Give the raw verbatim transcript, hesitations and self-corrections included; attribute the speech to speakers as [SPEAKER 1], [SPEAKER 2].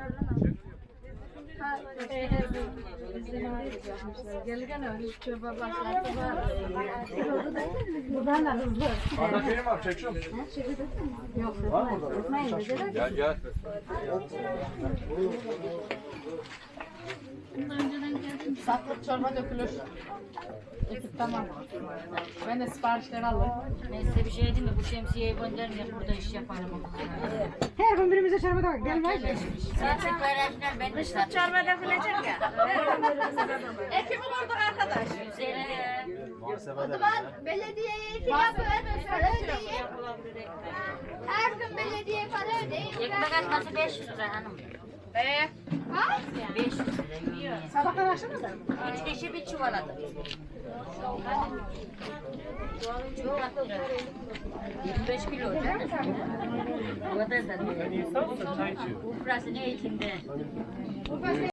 [SPEAKER 1] Gelirken öyle çöpe başlattı var. Buradan da hızlı.
[SPEAKER 2] Arada benim var, çekiyorum.
[SPEAKER 1] Yok, etmeyin.
[SPEAKER 2] Gel gel.
[SPEAKER 3] Satlık çorba dökülür. Ekip tamam. Ben de siparişleri alırım.
[SPEAKER 4] Neyse bir şey değil mi? Bu şemsiyeyi göndermeyeyim, burada iş yaparım.
[SPEAKER 1] Her gün birimize çarmıha da gelmez mi?
[SPEAKER 4] Zaten paylaşımlar ben de satacağım.
[SPEAKER 5] Çorba dökülecek ya.
[SPEAKER 3] Ekip olurduk arkadaş.
[SPEAKER 4] Üzerine
[SPEAKER 6] O zaman belediyeye iki yapın, para ödeyin. Her gün belediye para ödeyin.
[SPEAKER 4] ekmek atması beş yüz lira hanım.
[SPEAKER 3] Ee,
[SPEAKER 6] Kaç?
[SPEAKER 4] beş yüz lira yiyor.
[SPEAKER 3] sabahtan akşama da.
[SPEAKER 4] Üç kişi bir çuvaladı. Çok attı. yirmi beş kilo canım. O kadar da değil. Bu burası ne içinde?